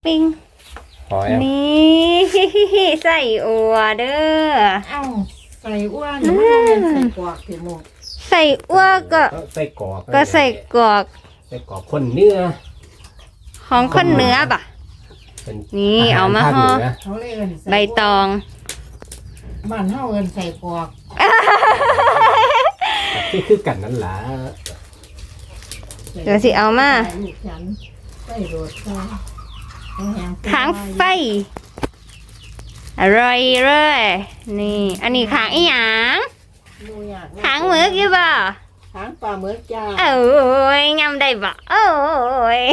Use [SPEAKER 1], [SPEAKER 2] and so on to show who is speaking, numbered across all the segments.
[SPEAKER 1] ปิ้งนี่ใส่อัวเด้อ
[SPEAKER 2] เอ้าใส่อ้วนมันเป็นใส่กวากถึงหมด
[SPEAKER 1] ใส่อัวก็
[SPEAKER 3] ใส่กรอก
[SPEAKER 1] ใส่กรอก
[SPEAKER 3] ใส่กรอกคนเนื้อ
[SPEAKER 1] ของคนเนื้อป่ะนี่เอามาห่อใบตอง
[SPEAKER 2] บ้านเฮาเอิ้นใส่กวาก
[SPEAKER 3] ที่คือกันนั่นล่ะ
[SPEAKER 1] เดี๋ยวสิเอามาขางไฟอร่อยเลยนี่อันนี้ขางอีหยังขางหมึกอยู่บ่
[SPEAKER 2] ขางปลาหมึกจ้า
[SPEAKER 1] โอ้ยยำได้บ่โอ้ย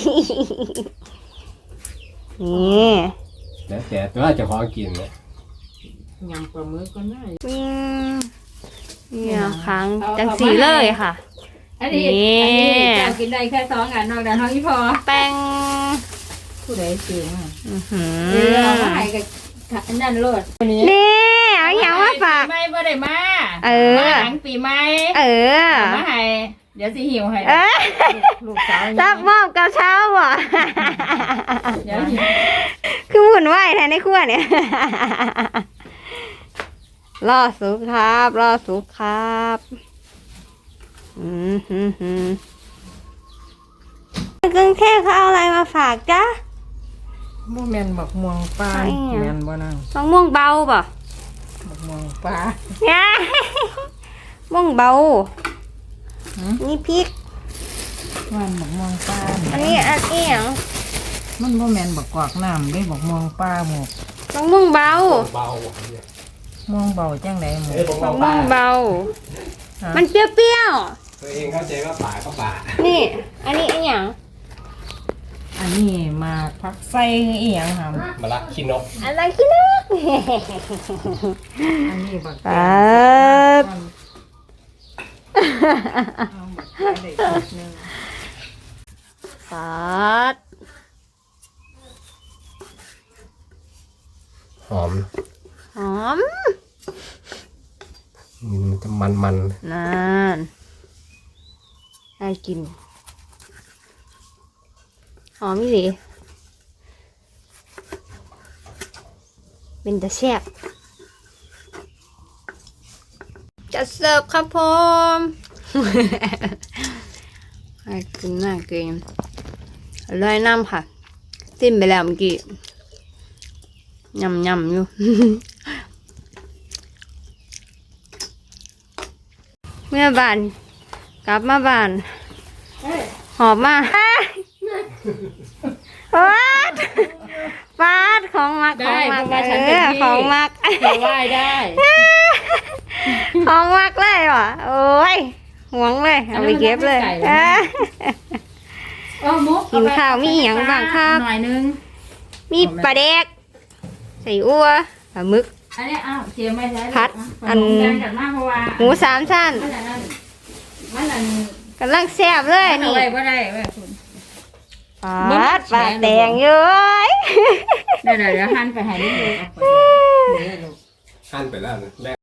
[SPEAKER 1] นี่
[SPEAKER 3] แล้วแต่ตัวจะขอกินนะ
[SPEAKER 2] ยำปลาหมึกก็ได้
[SPEAKER 1] เนี่ยขางจังสีเลยค่ะ
[SPEAKER 4] อันนี้จะกินได้แค่2 อันนอกจากท้องอีพอ
[SPEAKER 1] แป้ง
[SPEAKER 2] ผู้ใดซื้อมา
[SPEAKER 4] เอามาให้กับนั่นโลด
[SPEAKER 1] นี่เอาอย่างมาฝาก
[SPEAKER 4] ไม่บ่ได้มาหลังปีใหม่มาให้เดี๋ยวสิหิวให้
[SPEAKER 2] ลูกสาว
[SPEAKER 1] รับมอบกับเช้าบ่
[SPEAKER 4] เดี๋ยวหิว
[SPEAKER 1] คือหมุนไหวแทนในครัวเนี่ยรอสุกครับรอสุกครับกรุงเทพเขาเอาอะไรมาฝากจ้ะ
[SPEAKER 2] บ่แม่นบักม่วงปลาแม่นบ่นั่ง
[SPEAKER 1] มะม่วงเบาป่ะ
[SPEAKER 2] บักม่วงปลา
[SPEAKER 1] ม่วงเบานี่พริก
[SPEAKER 2] มันบักม่วงปลา
[SPEAKER 1] อันนี้อย่าง
[SPEAKER 2] มันบ่แม่นบักกวากน้ำได้บักม่วงปลาหมก
[SPEAKER 1] มะม่วงเบา
[SPEAKER 2] ม่วงเบาจังได๋หมก
[SPEAKER 1] มะม่วงเบามันเปรี้ยว
[SPEAKER 3] ๆตัวเองเข้าใจว่าป่าก็ป่า
[SPEAKER 1] นี่อันนี้อย่าง
[SPEAKER 2] อันนี้มาพักใส่อีหยังห
[SPEAKER 3] ำมะละขี้นก
[SPEAKER 1] อะไรขี้นก
[SPEAKER 2] อันนี้บัก
[SPEAKER 3] หอม
[SPEAKER 1] หอม
[SPEAKER 3] มันจะมัน
[SPEAKER 1] นั่นน่ากินหอมสิเป็นตะแซ่บจะเสิร์ฟครับผมน่ากินน่ากินอร่อยน้ำค่ะจิ้มไปแล้วเมื่อกี้ยำอยู่เมื่อบ้านกลับมาบ้านหอบมาฟาดของมักของมักของมัก
[SPEAKER 4] ได้
[SPEAKER 1] ของมักเลยว่ะโอ้ยหวงเลยเอาไปเก็บเลยกินข้าวมีอย่างบ้างครับ
[SPEAKER 4] หน่อยนึง
[SPEAKER 1] มีปลาแดกใส่อัวปลาหมึก
[SPEAKER 4] อันนี้เสียไม่ใช่
[SPEAKER 1] ผัดอันหมู3 ชั้นกำลังแซ่บเลยนี่
[SPEAKER 4] บ่ได้
[SPEAKER 1] ปลาแดงเยอะ
[SPEAKER 4] เดี๋ยวหั่นไปให้ลูก
[SPEAKER 3] หั่นไปแล้วนะ